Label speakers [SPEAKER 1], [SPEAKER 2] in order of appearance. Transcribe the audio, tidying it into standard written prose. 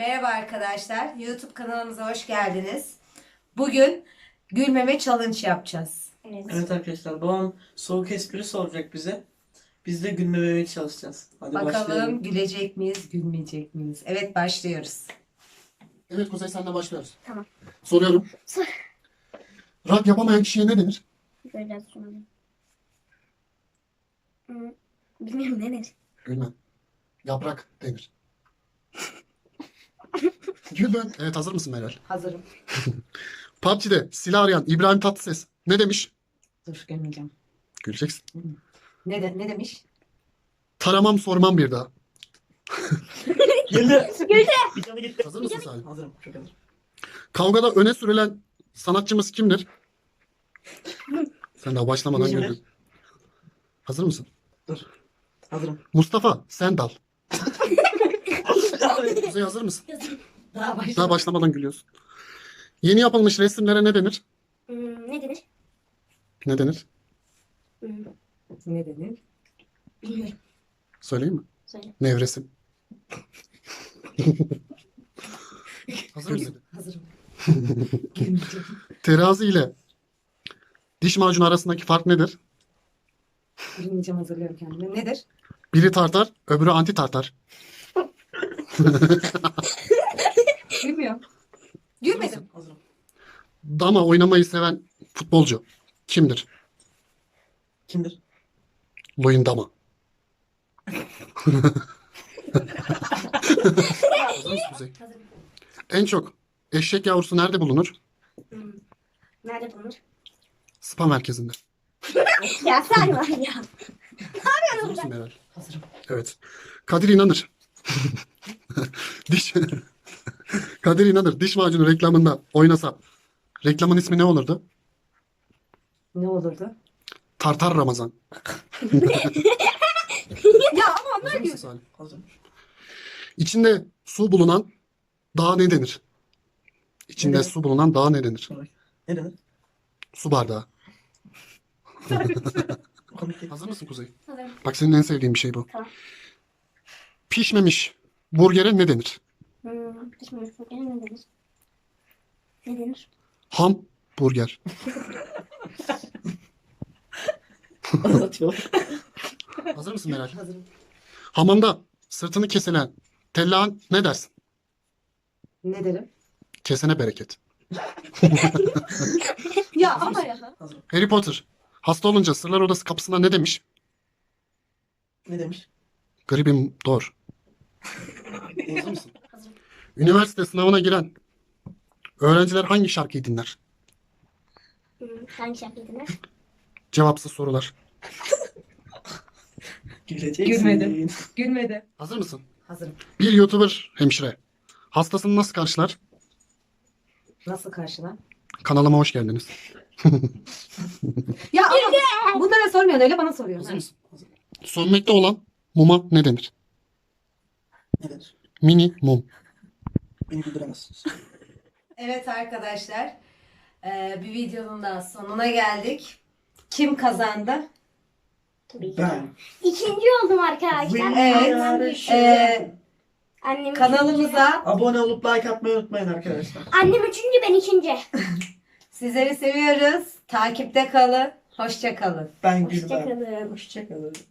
[SPEAKER 1] Merhaba arkadaşlar. YouTube kanalımıza hoş geldiniz. Bugün gülmeme challenge yapacağız.
[SPEAKER 2] Evet arkadaşlar, babam soğuk espri soracak bize. Biz de gülmemeye çalışacağız. Hadi
[SPEAKER 1] Bakalım
[SPEAKER 2] başlayalım.
[SPEAKER 1] gülecek miyiz, gülmeyecek miyiz? Evet, başlıyoruz.
[SPEAKER 3] Evet Kuzey, senle başlıyoruz.
[SPEAKER 4] Tamam.
[SPEAKER 3] Soruyorum.
[SPEAKER 4] Sor.
[SPEAKER 3] Rak yapamayan kişiye ne denir?
[SPEAKER 4] Biraz sonra. Bilmiyorum ne denir.
[SPEAKER 3] Gülmem. Yaprak denir. Gülben. Evet, hazır mısın Meral?
[SPEAKER 1] Hazırım.
[SPEAKER 3] PUBG'de silah arayan İbrahim Tatlıses ne demiş?
[SPEAKER 1] Dur, gülmeyeceğim.
[SPEAKER 3] Güleceksin.
[SPEAKER 1] Ne demiş?
[SPEAKER 3] Taramam sormam bir daha.
[SPEAKER 2] Geldi. Bir tane gitti.
[SPEAKER 3] Hazır mısın Salim?
[SPEAKER 2] Hazırım. Çok hazırım.
[SPEAKER 3] Kavgada öne sürülen sanatçımız kimdir? Sen daha başlamadan
[SPEAKER 2] Kimdir?
[SPEAKER 3] güldün. Hazır mısın?
[SPEAKER 2] Dur. Hazırım.
[SPEAKER 3] Mustafa Sendal. Kuzey, hazır mısın? Daha başlamadan gülüyorsun. Yeni yapılmış resimlere ne denir?
[SPEAKER 4] Ne denir?
[SPEAKER 3] Ne denir?
[SPEAKER 1] Ne denir?
[SPEAKER 4] Bilmiyorum.
[SPEAKER 3] Söyleyeyim mi?
[SPEAKER 4] Söyle.
[SPEAKER 3] Nevresim. Hazır mısın?
[SPEAKER 1] Hazırım. Gülmeyeceğim.
[SPEAKER 3] Terazi ile diş macunu arasındaki fark nedir?
[SPEAKER 1] Gülmeyeceğim, hazırlıyorum kendimi. Nedir?
[SPEAKER 3] Biri tartar, öbürü anti tartar.
[SPEAKER 1] Bilmiyorum. Gülmedim.
[SPEAKER 2] Hazırım.
[SPEAKER 3] Dama oynamayı seven futbolcu kimdir?
[SPEAKER 2] Kimdir?
[SPEAKER 3] Luyendama. Hazır mısın Kuzey?
[SPEAKER 4] Hazırım.
[SPEAKER 3] En çok eşek yavrusu nerede bulunur?
[SPEAKER 4] Nerede bulunur?
[SPEAKER 3] Spa merkezinde.
[SPEAKER 4] Ya sen var ya.
[SPEAKER 3] Hazır mısın Meral?
[SPEAKER 1] Hazırım.
[SPEAKER 3] Evet. Kadir İnanır. Diş Kadir İnanır diş macunu reklamında oynasa reklamın ismi ne olurdu?
[SPEAKER 1] Ne olurdu?
[SPEAKER 3] Tartar Ramazan.
[SPEAKER 1] Ya ama onlar
[SPEAKER 3] Hazır
[SPEAKER 1] gül.
[SPEAKER 3] mısın Salim?
[SPEAKER 2] Hazırım.
[SPEAKER 3] İçinde su bulunan dağa ne denir? İçinde
[SPEAKER 2] Ne denir?
[SPEAKER 3] su bulunan dağa ne denir?
[SPEAKER 2] Ne denir?
[SPEAKER 3] Su bardağı.
[SPEAKER 2] Komik değil.
[SPEAKER 3] Hazır mısın Kuzey?
[SPEAKER 4] Hazırım.
[SPEAKER 3] Bak, senin en sevdiğin bir şey bu.
[SPEAKER 4] Tamam.
[SPEAKER 3] Pişmemiş burgere ne denir?
[SPEAKER 4] Pişmemiş burgere ne denir? Ne denir?
[SPEAKER 3] Ham burger.
[SPEAKER 2] Anlatıyor.
[SPEAKER 3] Hazır mısın Meral?
[SPEAKER 1] Hazırım.
[SPEAKER 3] Hamamda sırtını kesilen tellağ ne dersin?
[SPEAKER 1] Ne derim?
[SPEAKER 3] Kesene bereket.
[SPEAKER 1] Ya ama ya.
[SPEAKER 2] Hazırım.
[SPEAKER 3] Harry Potter hasta olunca Sırlar Odası kapısına ne demiş?
[SPEAKER 2] Ne demiş?
[SPEAKER 3] Gribim doğur. Hazır mısın?
[SPEAKER 4] Hazırım.
[SPEAKER 3] Üniversite sınavına giren öğrenciler hangi şarkıyı dinler?
[SPEAKER 4] Hangi şarkıyı dinler?
[SPEAKER 3] Cevapsız sorular.
[SPEAKER 2] Güleceksin.
[SPEAKER 1] Gülmedi. Gülmedi.
[SPEAKER 3] Hazır mısın?
[SPEAKER 1] Hazırım.
[SPEAKER 3] Bir YouTuber hemşire hastasını nasıl karşılar?
[SPEAKER 1] Nasıl karşılar?
[SPEAKER 3] Kanalıma hoş geldiniz.
[SPEAKER 1] Ya ama bunlara sormuyorsun, öyle bana soruyorsun.
[SPEAKER 3] Hazır mısın? Sönmekte olan muma ne denir?
[SPEAKER 2] Ne denir?
[SPEAKER 3] Mini mum.
[SPEAKER 2] Beni güldüremezsiniz.
[SPEAKER 1] Evet arkadaşlar, bir videonun daha sonuna geldik. Kim kazandı?
[SPEAKER 4] Tabii ki.
[SPEAKER 2] Ben.
[SPEAKER 4] İkinci oldum arkadaşlar.
[SPEAKER 1] Evet.
[SPEAKER 4] Annem
[SPEAKER 1] Kanalımıza
[SPEAKER 2] Abone olup like atmayı unutmayın arkadaşlar.
[SPEAKER 4] Annem üçüncü, ben ikinci.
[SPEAKER 1] sizleri seviyoruz. Takipte kalın. Hoşça kalın.
[SPEAKER 2] Ben gülmem.
[SPEAKER 4] Hoşçakalın.
[SPEAKER 2] Hoşçakalın.